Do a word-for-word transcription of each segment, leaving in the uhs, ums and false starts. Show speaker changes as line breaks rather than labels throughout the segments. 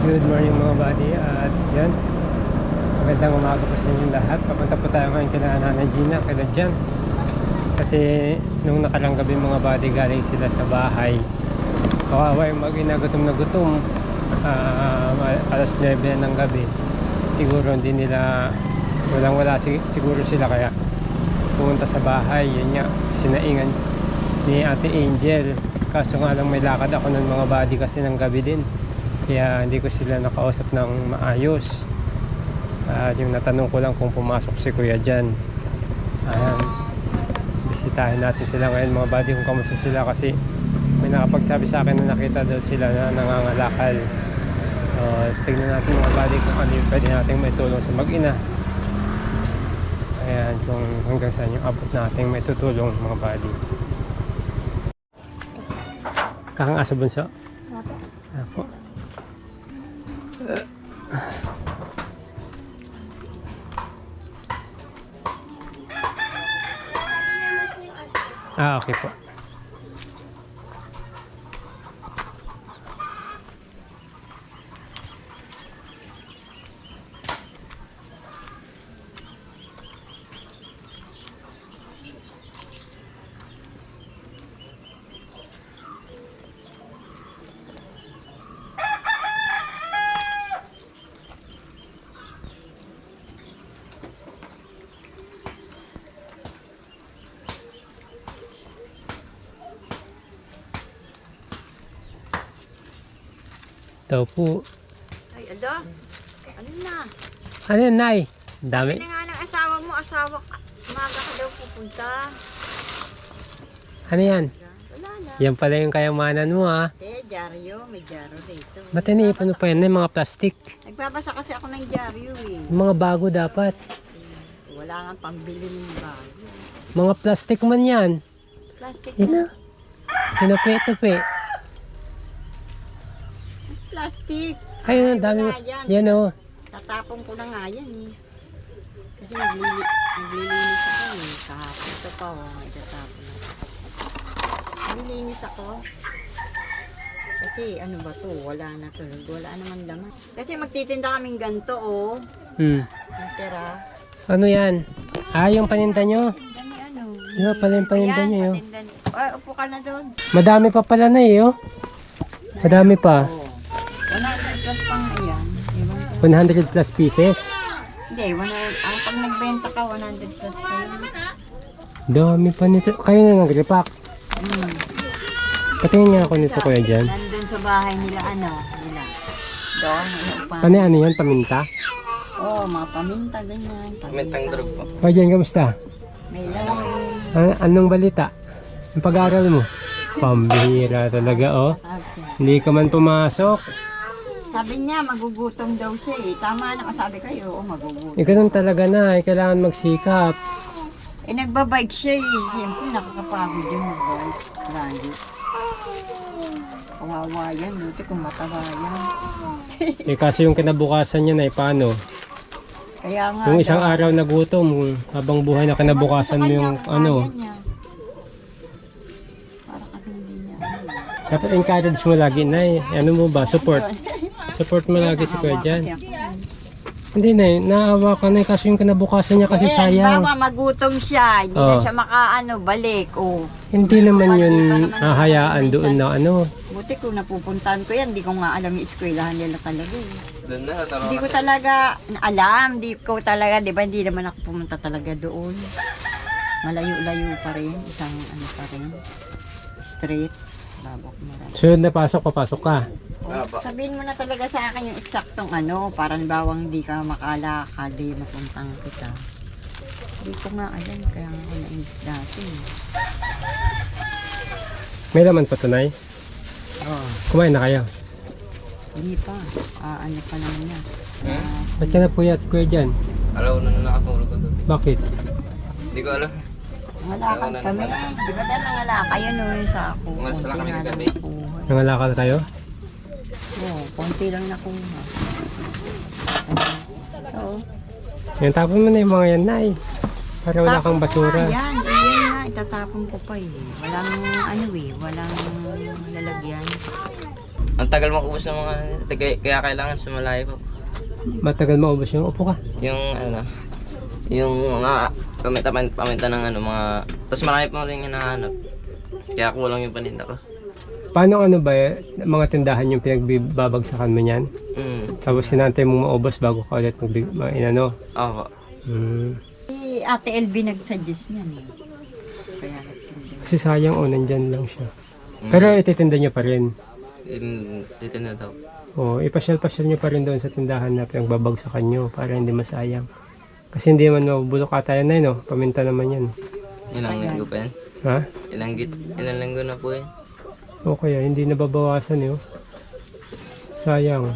Good morning mga buddy, at yan, magandang umaga po sa inyong lahat. Papunta po tayo ngayon kila Nanay Gina, kila Jan. Kasi nung nakarang gabi mga buddy, galing sila sa bahay. Kawawa yung mag-ina, gutom na gutom. uh, Alas nuebe ng gabi. Siguro hindi nila, walang wala siguro sila, kaya pumunta sa bahay. Yun nga, sinaingan ni Ate Angel. Kaso nga lang may lakad ako ng mga buddy kasi ng gabi din, kaya hindi ko sila nakausap ng maayos. At uh, yung natanong ko lang kung pumasok si Kuya Jan. Ayan, bisitahin natin sila ngayon mga buddy kung kamusta sila, kasi may nakapagsabi sa akin na nakita daw sila na nangangalakal. Uh, tignan natin mga buddy kung ano yung pwede natin may tulong sa mag-ina. Ayan, kung hanggang saan yung abot natin may tutulong mga buddy. Kakang aso bunso? Apo. Ah, okay po. Daw po.
Ay, ala. Ano na?
Ano yun, Nay? Ang dami.
Sabi na nga ng asawa mo, asawa ka. Umaga ka daw pupunta.
Ano yan?
Wala na.
Yan pala yung kayamanan mo, ha?
Eh, dyaryo. May dyaryo rito.
Ba't iniipon mo pa yan? Yung mga plastic.
Nagbabasa kasi ako ng dyaryo eh.
Yung mga bago dapat.
Wala nga pambili ng bago.
Mga plastic man yan.
Plastic
Yan na.
na.
Tinupi-tupi.
Plastic.
Ayun, ang dami.
wala yan.
Yan, oh.
Tatapon ko na nga yan eh. Kasi naglili naglilinis ako eh. Kahapon ito pa oh. May tatapon na. Naglilinis ako. Kasi ano ba to? Wala na to. Wala naman laman. Kasi magtitinda kaming ganito oh.
Hmm.
Yung tira.
Ano yan? Ah, yung paninda nyo.
Dami ano.
Yung pala yung paninda
Ayan,
nyo, yun.
patinda ni- Ay, upo ka na doon.
Madami pa pala na, eh, oh. Madami pa.
Oo. one hundred plus pang ayan. Ewan ko.
one hundred plus pieces.
Hindi, one hundred. Ah, pag nagbenta ka, one hundred plus pa yun.
Dami pa nito. Kayo na nag-repack.
Hmm.
Patingin nga ako nito, Kuya Jan.
Nandun sa bahay nila, ano, nila. Doon, ano pa.
Ano ano yan? Paminta?
Oo, oh, mga paminta, ganyan.
Pamintang drug po.
Kuya Jan, kamusta?
May lang.
An- anong balita? Ang pag-aaral mo? Pambihira talaga, oh. Hindi ka man pumasok.
Sabi niya, magugutom daw siya eh. Tama na sabi kayo, oo, magugutom.
Eh, ganun talaga na. Eh, kailangan magsikap.
Eh, nagbabike siya eh. Siyempre, nakakapagod yun magbabike. Lagi. Kawawa yan, buti kung mataba yan.
Eh, kasi yung kinabukasan niya na, eh, paano?
Kaya nga
Yung isang
daw,
araw na gutom, habang buhay na kinabukasan mo yung
kanya,
ano.
kaya niya. Para kasi hindi niya. ano.
Dapat encourage mo lagi na eh. Ano mo ba? Support. Support mo lagi si Kuya Jan.
Kasi ako.
Hindi na eh. Naawa ka na eh. Kasi yung kinabukasan niya kasi
Eh,
sayang.
halimbawa, magutom siya. Hindi
Oh.
na siya makaano, balik. Oh.
Hindi naman
Hindi
yun
pa naman
hahayaan
siya
doon na ano.
Buti kung napupuntahan ko yan, hindi ko nga alam yung eskwelahan nila talaga. eh.
Doon na, nataro
Hindi ko
kasi.
talaga alam, hindi ko talaga, di ba, hindi naman ako pumunta talaga doon. Malayo-layo pa rin, isang ano pa rin, street, babak mo rin.
Sunod na pasok, papasok ka.
Ah, pa.
Sabihin mo na talaga sa akin yung eksaktong ano, para bawang hindi ka makalakad, di mapuntang kita. Hindi ko nga alam, kaya nga ako nainis dati.
May laman pa tunay.
Oh,
Kumain na kayo.
hindi pa, ah, ano pa naman yan. Ah,
Ba't ka na puyat, Kuya Jan?
Alaw na na nakatulog ko doon.
Bakit?
Hindi ko alam.
Nangalakad kami. Di ba dahil nangalakad yun o yung sa ako?
Umalis pala kami
nga lang
kagabi.
nakuha.
Nangalakal kayo?
Oo, konti lang nakuha. Oo.
Yan, tapon mo na yung mga yan, Nay. Para wala kang basura.
Yan, yan nga, itatapon ko pa eh. Walang ano eh, walang lalagyan.
Ang tagal makubos ng mga, kaya, kaya kailangan sa malayo po.
Matagal maubos yung upo ka.
Yung ano, yung mga paminta, paminta ng ano, mga, tapos marami pa rin yung hinahanap. Kaya kulang yung paninda ko.
Paano ano ba, eh, mga tindahan yung pinagbabagsakan mo niyan?
Mm.
Tapos sinantay mo maubos bago ka ulit magbig, ma- inano?
Oo.
Hmm.
Si Ate L B nagsuggest niyan eh. Kaya nagtinda.
Kasi sayang, oh, nandyan lang siya.
Mm.
Pero ititinda niyo pa rin.
In, dito na daw.
O, ipasyal-pasyal niyo pa rin doon sa tindahan na pinagbabagsakan niyo para hindi masayang. Kasi hindi man mabubulok ata yan na yun, oh. Paminta naman yan.
Ilang linggo pa yan?
Ha?
Ilang, git, ilang linggo na po yan?
O kaya, hindi nababawasan yun. Sayang.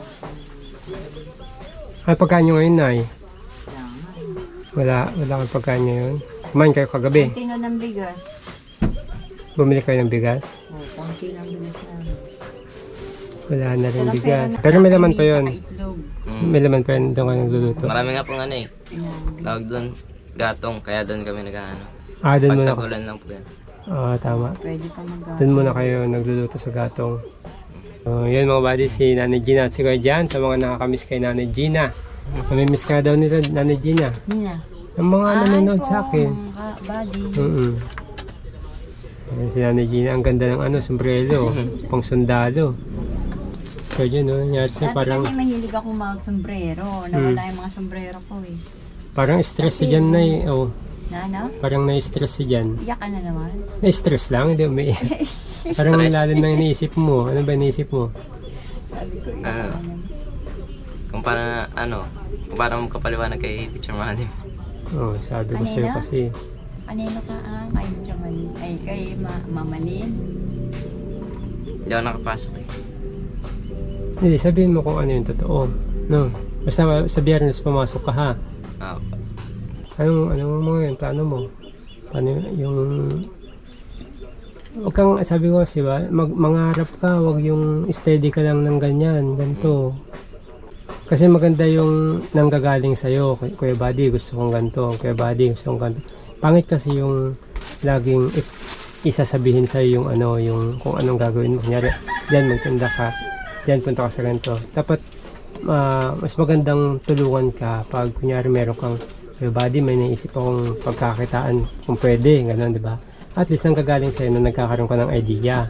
Ay, pagkain nyo ngayon, Nay? Wala, wala kang pagkain ngayon. Kumain kayo kagabi.
Konti na ng bigas.
Bumili kayo ng bigas.
O, konti ng bigas namin.
Wala na rin
Pero
bigas.
pera na-
Pero may laman pa yun.
Itlog.
Mm.
May laman pa yun doon kayo nagluluto.
Marami nga pong ano eh.
Ayan.
Tawag doon, gatong. Kaya doon kami nag-ano.
Ah, doon muna.
Pagtagulan lang po yan.
Ah, tama.
Pwede pa mag
Doon muna kayo nagluluto sa gatong. So, yun mga buddy, si Nanay Gina at si Kuya Jan, sa mga nakakamiss kay Nanay Gina. Namimiss ka daw nila, Nanay Gina.
Nina.
Ang mga nanonood sa akin.
Ah, buddy.
Mm-mm. Ayan, si Nanay Gina, ang ganda ng ano, sombrero, pang sundalo. So yun, no, yun, siya
Dati
parang,
kasi mahilig ako mag-sombrero. Nawala yung mga sombrero ko eh.
parang stress si Jan na eh. Oh,
Na, no?
parang na-stress si Jan.
Iyak ka na naman.
Na-stress lang, hindi umiiyak. Parang
Stress.
lalim na iniisip mo. Ano ba iniisip mo?
Sabi ko, iyak
Ah.
ka na naman.
Kung paano, ano, kung paano mo kapaliwanag kay Teacher Mahalim.
Oh, sabi ko
Ano
sa'yo
yun, ah?
kasi,
Kanino ka ah? Kay Chaman. Ay, kay ma Mamalin.
Hindi ako nakapasok eh.
hindi, sabihin mo kung ano yung totoo. No? Basta sa biyernes pumasok ka ha.
Ah,
Anong, ano mo yun? Plano mo? Ano yung... Huwag kang, sabi ko kasi ba, mag, mangarap ka, wag yung steady ka lang ng ganyan, ganito. Kasi maganda yung nanggagaling sa'yo, Kuy- Kuya Buddy, gusto kong ganito, Kuya Buddy, gusto kong ganito. Pangit kasi yung laging i- isasabihin sa'yo yung ano, yung kung anong gagawin mo. Kunyari, dyan magtinda ka, dyan punta ka sa ganito. Dapat, ah, mas magandang tulungan ka pag kunyari meron kang Kuya Buddy, may naisip akong pagkakitaan kung pwede, gano'n, di ba? At least nang gagaling sa'yo na nagkakaroon ka ng idea.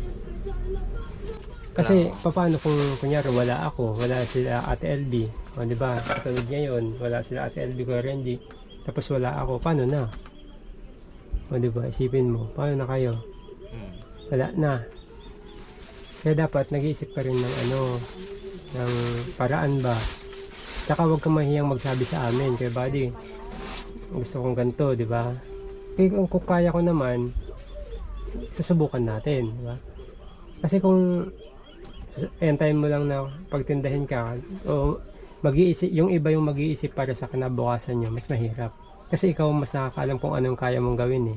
Kasi paano kung kunyari wala ako, wala sila Ate L B, o di ba? Katulad ngayon, wala sila Ate L B ko Renji, tapos wala ako, paano na? O di ba? Isipin mo, paano na kayo?
mm.
Wala na. Kaya dapat nag-iisip ka rin ng ano, ng paraan ba? Tsaka huwag kang mahiyang magsabi sa amin, kaya buddy, gusto kong ganito, di ba? Kaya kung, kung kaya ko naman, susubukan natin, di ba? Kasi kung entayin mo lang na pagtindahin ka, o mag-iisip, yung iba yung mag-iisip para sa kinabukasan nyo, mas mahirap. Kasi ikaw mas nakakaalam kung anong kaya mong gawin eh.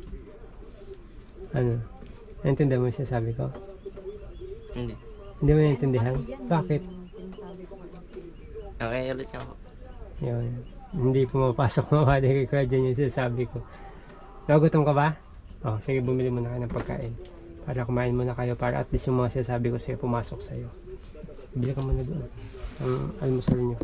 Ano? Naintindihan mo yung sinasabi ko?
Hindi.
Hindi mo naintindihan? Bakit?
Okay, ulit nga ako.
Yun. Hindi pumapasok mawali kay Kuya dyan yung sinasabi ko. Nagutom ka ba? Oh, sige, bumili muna kayo ng pagkain. Para kumain muna kayo para at least yung mga sinasabi ko sa'yo pumasok sa'yo. Bili ka muna doon. Ang almusal nyo.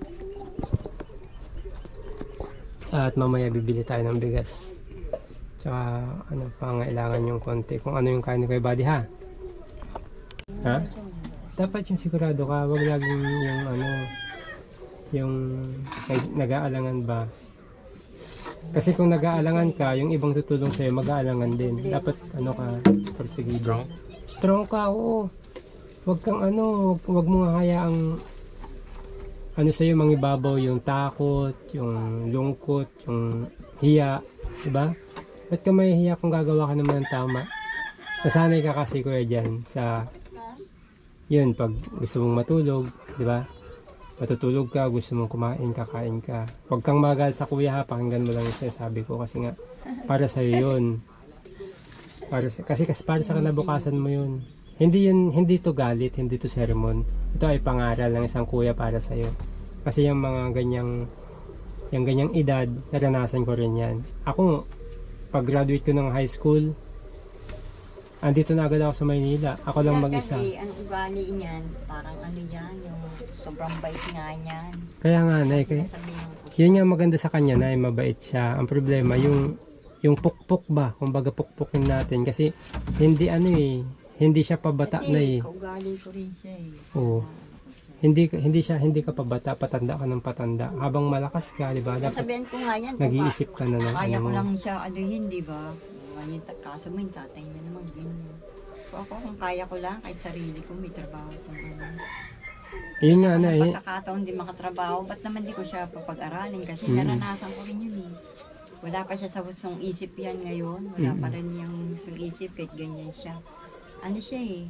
At mamaya bibili tayo ng bigas. Tsaka ano, pangailangan yung konti. Kung ano yung kain ni Kuya Buddy ha? Ha? Dapat yung sigurado ka. Huwag laging yung ano, yung nag- nag-aalangan ba. Kasi kung nag-aalangan ka, yung ibang tutulong sa'yo, mag-aalangan din. Dapat ano ka, porsigido.
Strong?
Strong ka, oo. Huwag kang ano, huwag, huwag mo hayaang ano sa'yo, mangibabaw yung takot, yung lungkot, yung hiya, diba? Ba't ka may hiya kung gagawa ka naman ng tama? Nasanay ka kasi kuya dyan sa, yun, pag gusto mong matulog, diba? Matutulog ka, gusto mong kumain, kakain ka. Huwag kang magal sa kuya ha, pakinggan mo lang yung sinasabi ko kasi nga, para sa'yo yun. Para sa, kasi, kasi para sa kanabukasan mo yun. Hindi yun, hindi to galit, hindi to sermon. Ito ay pangaral ng isang kuya para sa'yo. Kasi yung mga ganyang, yung ganyang edad, naranasan ko rin yan. Ako, pag graduate ko ng high school, andito na agad ako sa Maynila. Ako lang
Yan
mag-isa.
Kasi, ang ugali niyan, parang ano yan, yung sobrang bait nga niyan.
Kaya nga, Nay, kaya,
Sabihin ko,
yun nga maganda sa kanya, Nay, mabait siya. Ang problema, yung yung pukpok ba, kumbaga pukpukin natin. Kasi hindi ano eh, hindi siya pabata na eh.
kasi kaugali ko rin siya eh.
Oo. Hindi hindi siya hindi ka pabata, patanda ka ng patanda. Habang malakas ka, 'di ba? Dapat
Sabihin ko nga yan, kung
nag-iisip ka na ng
kaya
ano
ko
mo.
lang siya anuhin, di ba? Ngayon, ta- kaso mo yung tatay niya naman ganyan. So ako, kung kaya ko lang, kahit sarili ko, may trabaho kung ano.
Yun nga na
Kung
eh.
pagkakataon din makatrabaho, ba't naman di ko siya papag-aralin? Kasi
Mm.
naranasan ko rin yun eh. Wala pa siya sa husong isip yan ngayon. Wala pa rin yung husong isip kahit ganyan siya. Ano siya eh.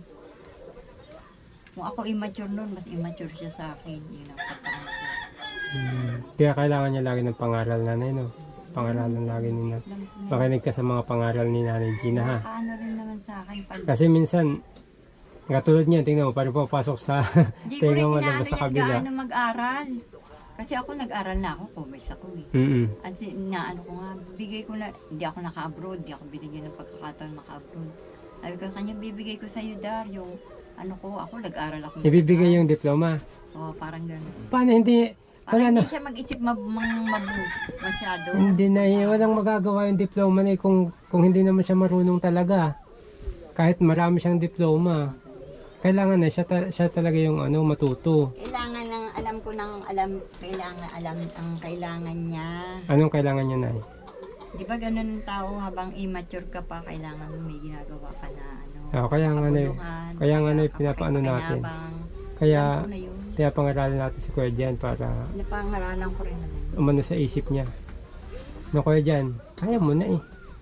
Kung ako immature noon, mas immature siya sa akin. Yun ang pagkakas ko.
Hmm. Kaya kailangan niya lagi ng pangaral, nanay, no? Pangaralan lagi ni nanay.
Alam ko na.
Makinig ka sa mga pangaral ni Nanay Gina, ha?
Ano rin naman sa akin. Pag,
Kasi minsan, katulad niya, tingnan mo, parang papasok sa
Hindi ko rin
tenga mo
inaano
lang sa
yan
kabila.
gaano mag-aral. Kasi ako nag-aral na ako, commerce ako eh.
Mm-mm.
As in, na ano ko nga, bigay ko na, hindi ako naka-abroad, hindi ako binigyan ng pagkakataon maka-abroad. Sabi ko sa kanya, bibigay ko sa'yo, Dar, yung ano ko, ako nag-aral ako.
Ibibigay yung diploma.
Oo, parang gano'n.
Paano hindi?
Parang
Wala na.
hindi siya mag-isip mab- mang mabu- masyado.
Hindi na, eh, walang magagawa yung diploma na eh, kung, kung hindi naman siya marunong talaga. Kahit marami siyang diploma. Kailangan na siya, ta- siya talaga yung ano, matuto.
Kailangan ng, alam ko ng, alam, kailangan, alam ang kailangan niya.
Anong kailangan niya na eh?
Di ba ganun ang tao, habang immature ka pa, kailangan mo may ginagawa ka na, ano,
Oh, kaya nga na eh.
kapuluhan,
Kaya nga na eh, pinapaano natin.
kapakipakinabang.
Kaya,
Alam ko na yun.
kaya pangaralan natin si Kuya Jan para
Napangaralan ko rin naman.
umano sa isip niya. No, Kuya Jan, kaya mo na eh.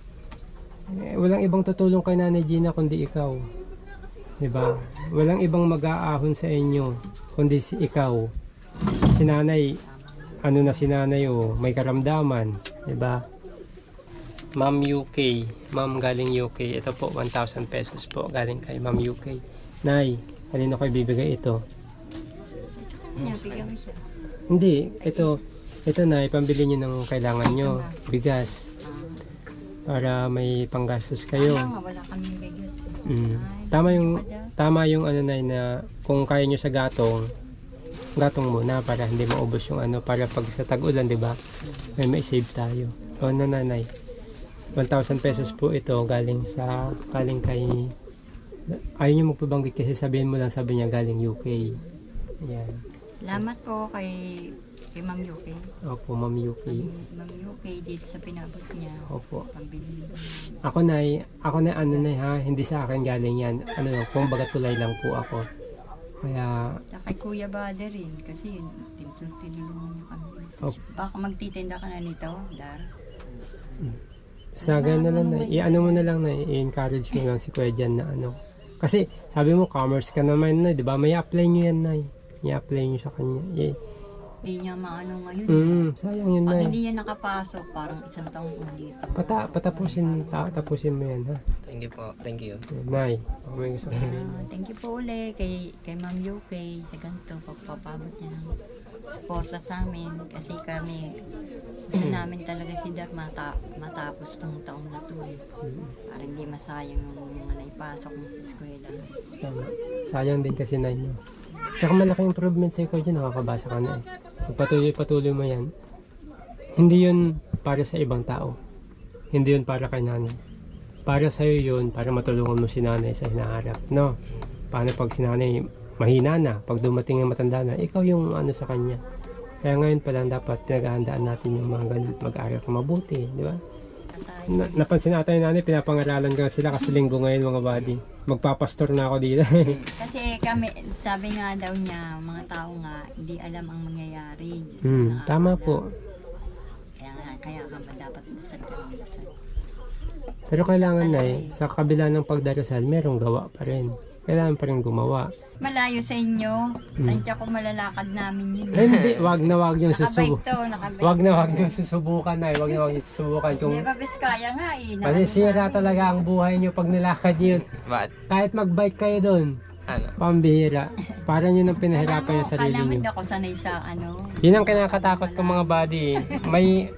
Eh, walang ibang tutulong kay Nanay Gina kundi ikaw. Diba? Walang ibang mag-aahon sa inyo kundi si ikaw. Si Nanay, ano na si Nanay oh, may karamdaman. Diba? Ma'am U K. Ma'am galing U K. Ito po, one thousand pesos po galing kay Ma'am U K. Nay, kanino ko ibibigay ito?
Yan, bigyan mo siya.
Hindi, ito, ito na, ipambili nyo ng kailangan nyo. Bigas.
Ah,
Para may panggastos kayo.
Tama nga, wala kaming bigas. eh.
Mm.
Ay,
Tama yung,
pa dyan.
tama yung ano na, na kung kaya nyo sa gatong, gatong muna para hindi maubos yung ano, para pag sa tag-ulan, di ba? May may-save tayo. O, ano nanay? one thousand pesos po ito galing sa, galing kay, ayaw nyo magpabanggit kasi sabihin mo lang, sabi niya galing U K. Ayan.
Salamat po kay, kay Ma'am Yuki.
Opo, Ma'am U K.
Ma'am Yuki, dito sa pinabot niya.
Opo.
Pambili.
Ako na, ako na ano na ha, hindi sa akin galing yan. Ano, kumbaga tulay lang po ako. Kaya,
Sa kay Kuya Bade rin, kasi yun, tin- tinulungan niya kami.
Opo.
Baka magtitinda ka na nito, Dar.
sa ganun na lang na, i-ano mo na lang na, i-encourage mo lang si Kuya Jan na ano. Kasi, sabi mo, commerce ka naman na, di ba? May apply nyo yan na, i-apply nyo sa kanya. I-
Hindi niya maano ngayon.
mm, sayang yun
Pag
na.
hindi yan nakapasok, parang isang taong kung dito.
Pata, patapusin, ta, tapusin mo yan ha.
Thank you po. Thank you.
Nay, baka may gusto sabihin.
Ah, thank you po uli kay, kay Ma'am Yuki sa ganito, pagpapabot niya ng suporta sa amin. Kasi kami, gusto namin talaga si Dar mata, matapos tong taong na to. eh. Para hindi masayang yung mga naipasok mo sa eskwela.
Tama. Sayang din kasi na yun. Tsaka malaki improvement sa Kuya Jan, nakakabasa ka na eh. Pag patuloy-patuloy mo yan, hindi yun para sa ibang tao. Hindi yun para kay nanay. Para sa'yo yun, para matulungan mo si nanay sa hinaharap. No? Paano pag si nanay mahina na, pag dumating ang matanda na, ikaw yung ano sa kanya. Kaya ngayon pa lang dapat pinag-ahandaan natin yung mga ganun, mag-aaral ka mabuti, di ba?
Tatay.
Na, napansin natin yung nanay, pinapangaralan ka sila kasi linggo ngayon mga buddy. Magpapastor na ako dito.
Kasi kami, sabi nga daw niya, mga tao nga, hindi alam ang mangyayari. Diyos
hmm,
ang
tama
nakakaalam.
po.
Kaya nga, kaya ka ba dapat dasal ka ng dasal.
Pero kailangan na eh, sa kabila ng pagdarasal, merong gawa pa rin. Kailangan pa rin gumawa.
Malayo sa inyo,
Hmm.
tansya ko malalakad namin yun.
Ay, hindi, wag na wag yung
Nakabike
susubukan.
to, nakabike.
Wag na wag yung susubukan na eh. Wag na wag yung susubukan. Kung
Hindi ba Biskaya nga eh.
kasi
Nakano
sira
namin.
talaga ang buhay nyo pag nilakad nyo.
But,
Kahit magbike kayo doon,
ano?
pambihira. Para nyo nang pinahirapan
Alam mo,
yung sarili
kala mo
nyo.
hindi ako sanay sa ano.
Yun ang kinakatakot ko mga buddy. May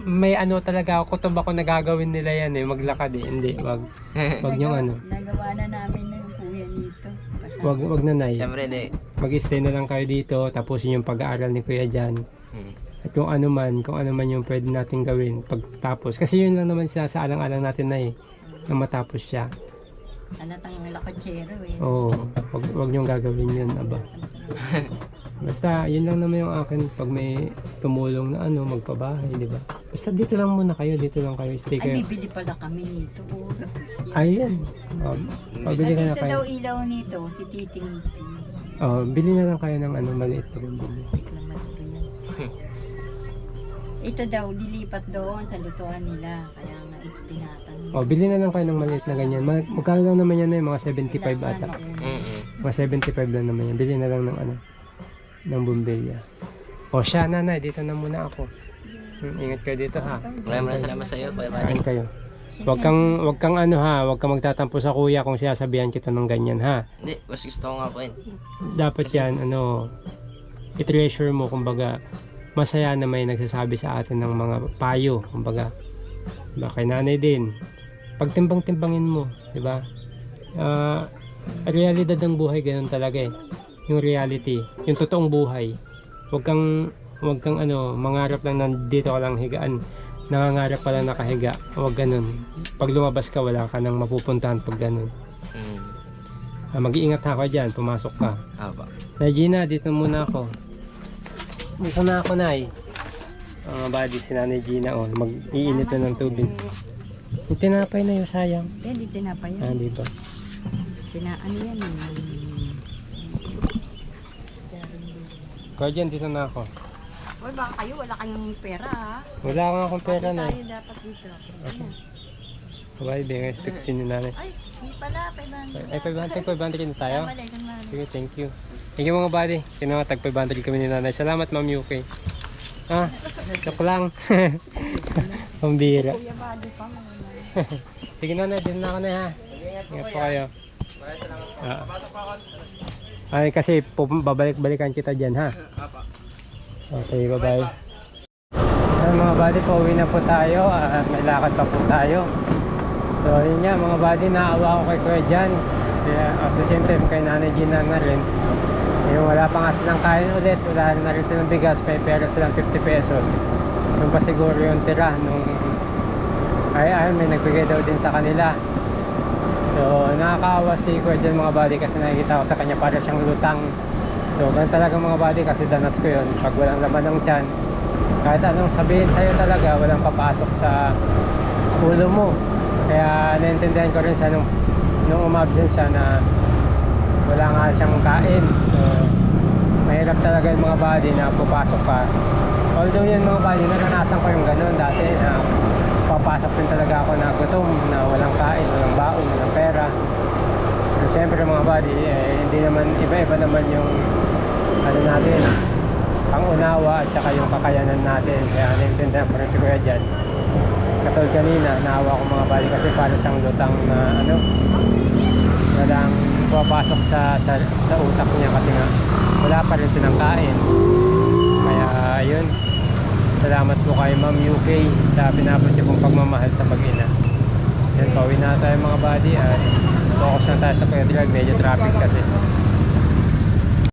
may ano talaga ako, kutob ako na gagawin nila yan eh, maglakad eh. Hindi, wag. Wag yung ano.
Nagawa na namin ng kuya nito. Kasama.
Wag, wag na nay.
Siyempre, di.
Mag-stay na lang kayo dito, tapusin yung pag-aaral ni Kuya dyan.
Hmm.
At kung ano man, kung ano man yung pwede natin gawin pagtapos. Kasi yun lang naman sinasaalang-alang natin na eh, na matapos siya.
Alatang lakatsero eh.
Oo, wag, wag niyong gagawin yun, aba. Basta, yun lang naman yung akin pag may tumulong na ano, magpabahay, di ba? Basta dito lang muna kayo, dito lang kayo, stay
Ay,
kayo.
bibili pala kami nito. Oo, tapos yan.
Ayun, um, pabili ka na
Nakita daw
kayo.
ilaw nito, si Titing ito.
Oh, bili na lang kayo ng ano, maliit na rin bili.
Reklamador yan. Ito daw, lilipat doon sa lutuan nila. Kaya nga ito tinatanong.
Oh, bili na lang kayo ng maliit na ganyan. Mag- Magkano lang naman yan eh, mga seventy-five ata.
Mm-mm.
Mga seventy-five lang naman yan. Bili na lang ng ano, ng bumbilya. O siya, nanay, dito na muna ako. Hmm, ingat kayo dito ha.
Maraming maraming salamat sa iyo, Kuya Buddy.
Kain kayo. Wag kang, wag kang ano ha, wag kang magtatampo sa kuya kung sinasabihan kita ng ganyan ha.
Hindi, mas gusto ko nga po yun.
Dapat yan, ano, i-treasure mo, kumbaga, masaya na may nagsasabi sa atin ng mga payo, kumbaga. Diba, kay nanay din. Pagtimbang-timbangin mo, di ba? Ah, realidad ng buhay, ganun talaga eh. Yung reality, yung totoong buhay. Wag kang, wag kang ano, mangarap lang nandito ka lang higaan. Nangangarap pa lang nakahiga. Huwag ganun. Pag lumabas ka, wala ka nang mapupuntahan pag ganun.
Mm.
Ah, mag-iingat ha ako dyan, pumasok ka.
Aba.
Na Gina, dito muna ako. Dito na ako, Nay. Mga buddy, si Nanay Gina, oh, mag-iinit na ng tubig. Yung tinapay na yun, sayang.
Eh, di tinapa
Ah,
yan.
di ba?
Tina, ano yan eh.
Kaya dyan, dito na ako.
Uy, baka kayo, wala kayong pera ha.
Wala akong akong pera na.
Tayo dapat dito. Ano?
Bye, bigay fifteen ni Nanay.
Ay, di pala, five hundred.
Ay, five hundred, five hundred na tayo.
Mali, kunwari.
Sige, thank you. Thank you mga buddy. Kinawatag five hundred kami ni Nanay. Salamat, Ma'am Yuki. Ah, joke lang. Pambira.
Kuya Buddy pa mo.
Sige Nanay, din na ako na ha.
Ingat
Ingat po kayo.
Maraming salamat po.
Ah.
Pasok po ako.
Ay, kasi pu- babalik-balikan kita dyan ha.
Apa.
Okay, bye-bye. Ay, mga buddy, pauwi na po tayo. At may lakad pa po tayo. So, yun nga mga buddy, naawa ko kay Kuya Jan. Kaya at the same time kay Nanay Gina na rin. Yung wala pa nga silang kain ulit, wala na rin silang bigas, may pera silang fifty pesos. Yung pa siguro yung tira nung ay ay may nagbigay daw din sa kanila. So nakakaawa si Kuya Jan mga buddy kasi nakikita ko sa kanya para siyang lutang. So ganun talaga mga buddy kasi danas ko yun. Pag walang laman ng tiyan, kahit anong sabihin sa'yo talaga, walang papasok sa ulo mo. Kaya naintindihan ko rin siya nung, nung umabsent siya na wala nga siyang kain. So, mahirap talaga yung mga body na pupasok ka. Although yun mga body, naranasan ko yung ganun dati na papasok din talaga ako na gutom, na walang kain, walang baon, walang pera. Pero syempre mga body, eh, hindi naman, iba-iba naman yung ano natin, pangunawa at saka yung kakayanan natin. Kaya naintindihan ko rin si Kuya dyan. Katulad kanina, naawa ko mga body kasi para siyang lutang na ano, walang pumapasok sa, sa sa utak niya kasi nga wala pa rin silang kain. Kaya yun, salamat po kay Ma'am U K sa pinabot niyo pong pagmamahal sa mag-ina. Yan, pauwi na tayo mga buddy at focus na tayo sa pag-drive, medyo traffic kasi.